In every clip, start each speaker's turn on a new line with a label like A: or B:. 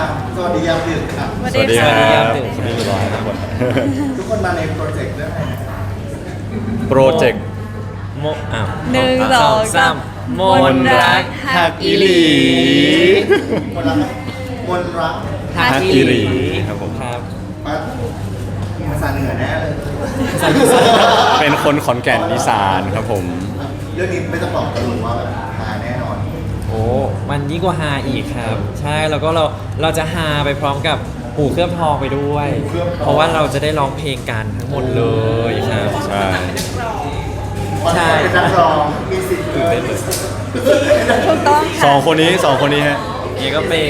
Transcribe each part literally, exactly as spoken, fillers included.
A: สวัสดียามดึกครับ
B: สวัส
C: สวัสดี
B: ดี
C: ค
B: ค่ะ
C: รับสวัสดีทุกคนทุกคน
A: ทุกคนมาในโปรเจกต์เรื่องอะไรนะ
C: โปรเจกต์
D: โมอ้าว
B: หนึ่งสองสาม
D: มนต์รัก
C: ฮักอีหลี
A: มนต์รักมนต์รัก
C: ฮักอีหลีครับผม
D: ครับ
A: มาภาษาเหนือแน่เลย
C: เป็นคนขอนแก่นอีสานครับผม
A: เรื่องนี้ไม่ต้องบอกกันหรอกว่าแบบมาแน่นอน
D: โอ้มันยิ่งกว่าฮาอีกครับ ใช่แล้วก็เราเราจะฮาไปพร้อมกับหูเคลือบทองไปด้วย เพราะว่าเราจะได้ร้องเพลงกันทั้งหมดเลยครับ
C: ใช่
D: ใช่
A: เป็นนักร้องมีสิทธิ์
D: ตื่นเต้นเลย
B: ถูกต้อง
C: สอ
B: ค่ะ
C: งคนนี้สองคนนี้ฮะ
D: นี่ก็เป็น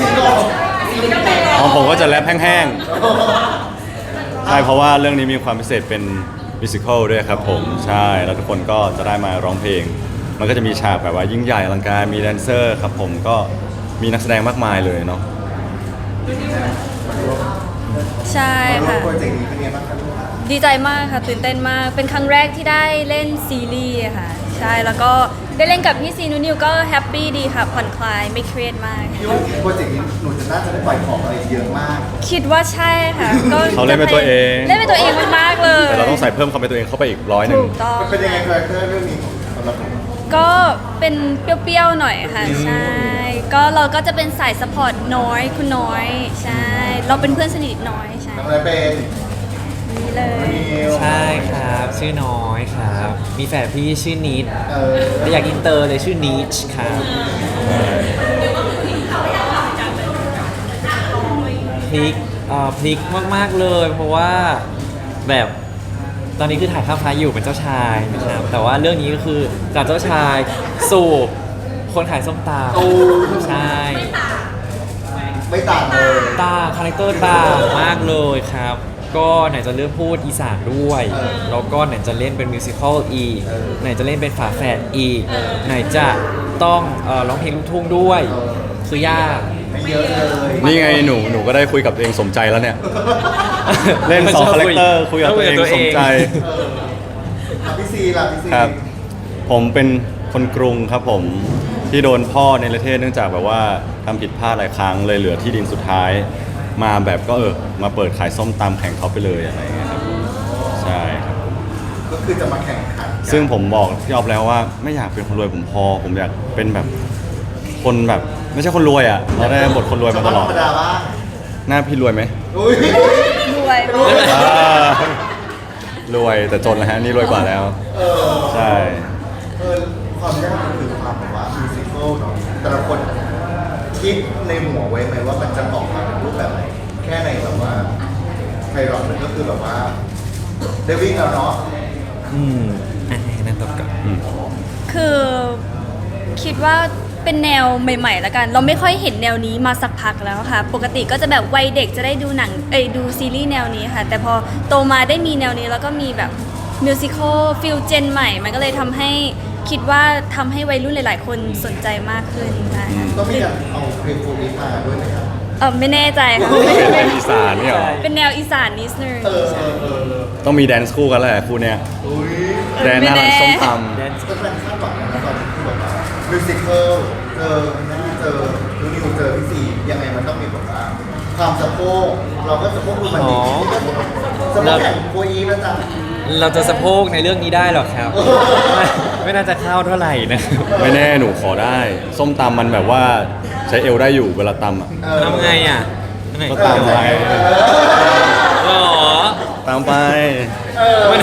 C: ของผมก็จะแรปแห้งๆใช่เพราะว่าเรื่องนี้มีความพิเศษเป็นมิวสิควลด้วยครับผมใช่แล้วทุกคนก็จะได้มาร้องเพลง มันก็จะมีฉากแบบว่ายิ่งใหญ่อลังการมีแดนเซอร์ครับผมก็มีนักแสดงมากมายเลยเนาะ
B: ใช่
A: มาร่ว
B: ค่ะ
A: มโปรเจกต์นี้เป็นไงบ้างครับ
B: ดีใจมากค่ะตื่นเต้นมาก เป็นครั้งแรกที่ได้เล่นซีรีส์ค่ะ ใช่แล้วก็ได้เล่นกับพี่ซีนูนิวก็แฮปปี้ดีค่ะผ่อนคลายไม่เครียดมาก
A: คิดว่าโปรเจกต์นี้หนูจะน่าจะได้ปล่อยของอะไรเยอะมาก
B: คิดว่าใช่ค่ะก็
C: เขาเล่นเป็นตัวเอง
B: เล่นเป็นตัวเองมากๆเลย
C: แต่เราต้องใส่เพิ่มความเป็นตัวเองเข้าไปอีกร้อยหนึ่ง
B: ถูกต้อง
A: มันเป็นยังไงคาแรคเตอร์เรื่องนี้สำหรับหนู
B: ก็เป็นเปรี้ยวๆหน่อยค่ะ ใช่ ก็เราก็จะเป็นสายสปอร์ตน้อยคุณน้อย ใช่ เราเป็นเพื่อนสนิทน้อยใช่
A: ทำอะไรเป็น
B: นี่เลย
A: นิว
D: ใช่ครับ ชื่อน้อยครับ มีแฝดพี่ชื่อนิด
A: เออ
D: แต่อยากอินเตอร์เลยชื่อนิชครับพลิกเอ่อพลิกมากๆเลย เพราะว่าแบบตอนนี้คือถ่ายข้ามฟ้าอยู่เป็นเจ้าชายนะครับแต่ว่าเรื่องนี้ก็คือจากเจ้าชายสู่คนขายส้มตำใช่
A: ไม่ต่างเลย
D: ตาคาแรคเตอร์ต่างมากเลยครับ ก็ไหนจะเลือกพูดอีสานด้วย แล้วก็ไหนจะเล่นเป็นมิวสิควลอีก ไหนจะเล่นเป็นฝาแฝดอีก ไหนจะต้องเอ่อร้องเพลงลูกทุ่งด้วย คือยาก
A: ไม่เยอะเลย
C: นี่ไงหนูหนูก็ได้คุยกับตัวเองสมใจแล้วเนี่ย เล่นสองคาแรคเตอร์คุยกับตัวเองสมใจ
A: เอออ่ะพี่ซีล่ะพี่ซี
C: ครับ ผมเป็นคนกรุงครับผมที่โดนพ่อในประเทศเนื่องจากแบบว่าทำผิดพลาดหลายครั้งเลยเหลือที่ดินสุดท้าย มาแบบก็เออมาเปิดขายส้มตำแข่งเขาไปเลยอะไรอย่างเงี้ยครับใช่ครับ
A: ก็คือจะมาแข่งขันกัน
C: ซึ่งผมบอกพี่ออฟแล้วว่าไม่อยากเป็นคนรวยผมพอ ผมอยากเป็นแบบคนแบบไม่ใช่คนรวยอ่ะเราได้บทคนรวยมาตลอด
A: ธรรมดาบ้าง
C: หน้าพี่รวยไหม
A: อุ้ย
B: รวย
C: อ่ารวยแต่จนแล้วฮะนี่รวยกว่าแล้ว
A: เออ
C: ใช่
A: เออความยากมันคือความแบบว่ามิวสิควลเนาะแต่ละคนคิดในหัวไว้ไหมว่ามันจะออกมาเป็นรูปแบบไหนแค่ในแบบว่าไพเราะมันก็คือแบบว่าได้วิ่งแล้วเนาะ
D: อืมอ่ะให้นั่นตบก่อน
B: คือคิดว่าเป็นแนวใหม่ๆแล้วกัน เราไม่ค่อยเห็นแนวนี้มาสักพักแล้วค่ะ ปกติก็จะแบบวัยเด็กจะได้ดูหนังเอ้ยดูซีรีส์แนวนี้ค่ะ แต่พอโตมาได้มีแนวนี้แล้วก็มีแบบมิวสิควลฟิลเจนใหม่ มันก็เลยทำให้คิดว่าทำให้วัยรุ่นหลาย ๆ คนสนใจมากขึ้นค่ะ
A: ก็มีการเอาเพลงโฟนี้มาด้วยไหมครับ
B: เออไม่แน่ใจค่ะ
C: เป็นอีสานเนี่ยเหรอ
B: เป็นแนวอีสานนิดนึง
A: เออเออเออเออ
C: ต้องมีแดนซ์คู่กันแหละคู่เนี้ย
A: อุ้ย
C: แดนหน้าร้านส้มต
D: แดน
A: ก็เป็นคาดหวังนะตอนที่แบบว่ามิวสิควลเจอนั่นเจอดูนิวเจอพี่ซียังไงมันต้องมีแบบว่าความสะโพกเราก็สะโพกดูมันดีสะโพกแข่งโคอีนะจ๊ะ
D: เราจะสะโพกในเรื่องนี้ได้หรอครับ ไม่ไม่น่าจะเข้าเท่าไหร่นะ
C: ำไม่แน่หนูขอได้ ส้มตำมันแบบว่าใช้เอวได้อยู่เวลาตำอ่ะ
A: เออ
D: ทำไงอ่ะอันไหน
C: ก็ตามไป
D: หรอ
C: ตามไป
A: เออ
D: มัน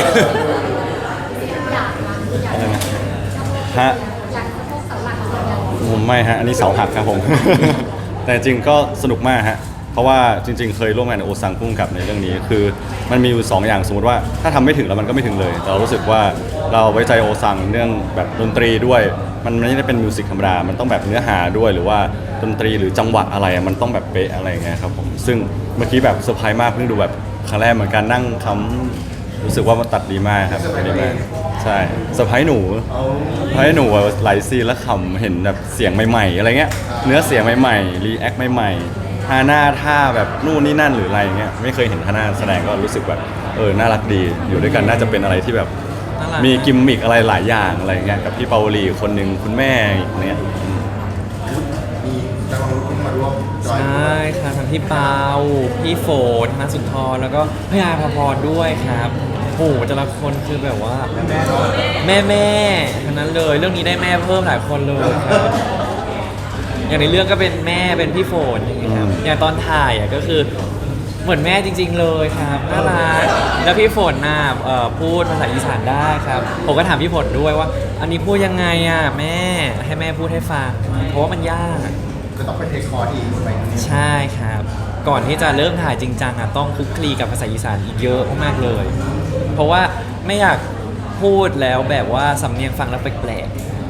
C: อะไรนะฮะผมไม่ฮะ อันนี้เสาหักครับผม แต่จริงก็สนุกมากฮะ เพราะว่าจริง ๆ เคยร่วมงานกับโอซังพุ่งกับในเรื่องนี้ คือมันมีอยู่สองอย่างสมมติว่าถ้าทำไม่ถึงแล้วมันก็ไม่ถึงเลยแต่เรารู้สึกว่าเราไว้ใจโอซังเรื่องแบบดนตรีด้วย มันไม่ได้เป็นมิวสิกธรรมดา มันต้องแบบเนื้อหาด้วยหรือว่าดนตรีหรือจังหวะอะไรอะมันต้องแบบเป๊ะอะไรอย่างเงี้ยครับผม ซึ่งเมื่อกี้แบบเซอร์ไพรส์มากเพิ่งดูแบบครั้งแรกเหมือนกันนั่งคำรู้สึกว่ามันตัดดีมากครับตัดดีมาก ใช่เซอร์ไพรส์หนู
A: เอา
C: ให้หนูแบบหลายซีนแล้วขำเห็นแบบเสียงใหม่ๆอะไรเงี้ยเนื้อเสียงใหม่ๆรีแอคใหม่ๆท่าหน้าท่าแบบนู่นนี่นั่นหรืออะไรเงี้ยไม่เคยเห็นท่าหน้าแสดงก็รู้สึกแบบเออน่ารักดีอยู่ด้วยกันน่าจะเป็นอะไรที่แบบ
D: น่ารัก
C: มีกิมมิกอะไรหลายอย่างอะไรเงี้ยกับพี่เปาวลีคนหนึ่งคุณแม่อีกเนี่ย
A: มีจังหวะรุ่นมาร่วมจอย
D: ใช่ครับทั้งพี่เปาพี่โฝนธนสุนทรแล้วก็พี่อาภพรด้วยครับโอ้โหแต่ละคนคือแบบว่า แม่แม่ทั้งนั้นเลยเรื่องนี้ได้แม่เพิ่มหลายคนเลยครับ อย่างในเรื่องก็เป็นแม่เป็นพี่โฝนอย่างเงี้ยครับอย่างตอนถ่ายอ่ะก็คือเหมือนแม่จริง ๆ เลยครับน่ารักแล้วพี่ฝนน่ะเอ่อพูดภาษาอีสานได้ครับผมก็ถามพี่ฝนด้วยว่า อันนี้พูดยังไงอ่ะแม่ให้แม่พูดให้ฟังเพราะว่ามันยาก
A: จะต้องไปเทคคอร์สอีกไหม
D: ใช่ครับ ก่อนที่จะเริ่มถ่ายจริงจังอ่ะต้องคลุกคลีกับภาษาอีสานอีกเยอะมากๆเลย เพราะว่าไม่อยากพูดแล้วแบบว่าสำเนียงฟังแล้วแปลก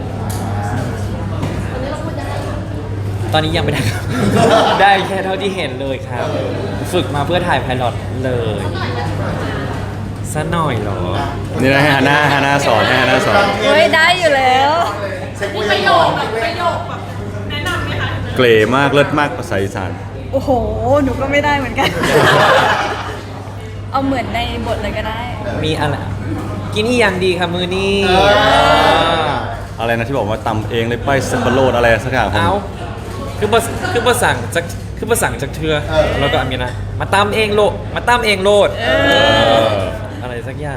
D: ๆตอนนี้ยังไม่ได้ครับ ได้แค่เท่าที่เห็นเลยครับ ฝึกมาเพื่อถ่ายไพลอตเลยซะหน่อยเหรอ
C: นี่นะให้ฮาน่าฮาน่าสอนให้ฮาน่าสอน
B: เฮ้ยได้อยู่แล้ว
A: เช็ค
E: มี
A: ว่า
E: ป
A: ยั
E: ระ
A: ง
E: โย
A: ร้อ
E: ค
A: น
E: แบบประโยคแบบแนะนำไหมคะ
C: เกรมากเลิศมากภาษาอีสาน
B: โอ้โห หนูก็ไม่ได้เหมือนกัน เอาเหมือนในบทเลยก็ได้
D: มีอะไรกินอีหยังดีครับมือนี่
C: อะไรนะที่บอกว่าตำเองเลยไปเซมเบโรดอะไรสักอย่างผม
D: เอาคือภาคือภาษาจากคือภาษาจากเธอแล้วก็อันนี้นะมาตามเองโลดมาตามเองโลด
C: เออ
D: อะไรสักอย่าง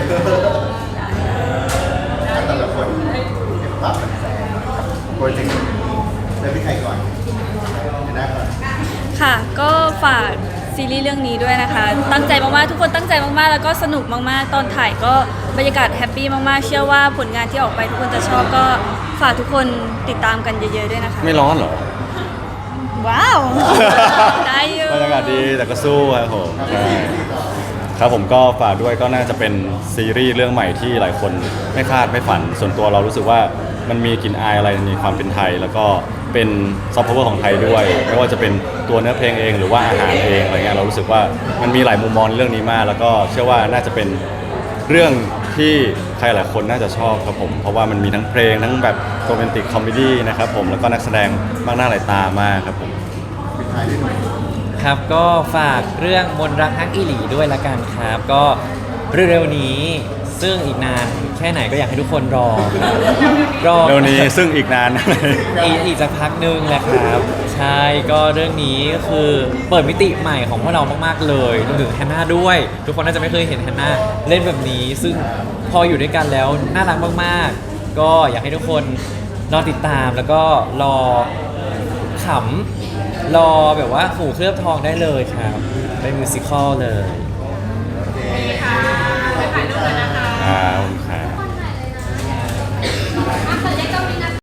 A: แต่ละคนเห็นภาพแฟนๆโปรเจกต์นี้เริ่มที่ใครก่อนเดี๋ยวหน้าก่อน
B: ค่ะ ก็ฝากซีรีส์เรื่องนี้ด้วยนะคะ ตั้งใจมากๆ ทุกคนตั้งใจมากๆ แล้วก็สนุกมากๆ ตอนถ่ายก็บรรยากาศแฮปปี้มากๆ เชื่อว่าผลงานที่ออกไปทุกคนจะชอบก็ฝากทุกคนติดตามกันเยอะๆ ด้วยนะคะ
C: ไม่ร้อนเหรอ
B: ว้าว ได้อยู่
C: บรรยากาศดีแต่ก็สู้ครับผมใช่ครับผมก็ฝากด้วยก็น่าจะเป็นซีรีส์เรื่องใหม่ที่หลายคนไม่คาดไม่ฝัน ส่วนตัวเรารู้สึกว่ามันมีกลิ่นอายอะไรในความเป็นไทย แล้วก็เป็นซอฟต์พาวเวอร์ของไทยด้วย ไม่ว่าจะเป็นตัวเนื้อเพลงเองหรือว่าอาหารเองอะไรเงี้ยเรารู้สึกว่ามันมีหลายมุมมองในเรื่องนี้มาก แล้วก็เชื่อว่าน่าจะเป็นเรื่องที่ใครหลายคนน่าจะชอบครับผมเพราะว่ามันมีทั้งเพลงทั้งแบบโรแมนติกคอมเมดี้นะครับผมแล้วก็นักแสดงมากหน้าหลายตามากครับผม
A: ปิดท้ายด้วยหน่อย
D: ครับก็ฝากเรื่องมนต์รักฮักอีหลีด้วยละกันครับ ก็เร็วๆนี้ซึ่งอีกนานแค่ไหนก็อยากให้ทุกคนรอครับรอ
C: เร็วนี้ซึ่งอีกนาน
D: อีกอีกสักพักหนึงแหละครับ ใช่ก็เรื่องนี้ก็คือเปิดมิติใหม่ของพวกเรามากๆเลยรวมถึงแฮนนาด้วย ทุกคนน่าจะไม่เคยเห็นแฮนนาเล่นแบบนี้ ซึ่งพออยู่ด้วยกันแล้วน่ารักมากๆ ก็อยากให้ทุกคนรอติดตามแล้วก็รอขำรอแบบว่าหูเคลือบทองได้เลยครับเป็นมิวสิควลเลย
E: ค่ะไปถ่ายรูปกันนะคะ
C: อ่า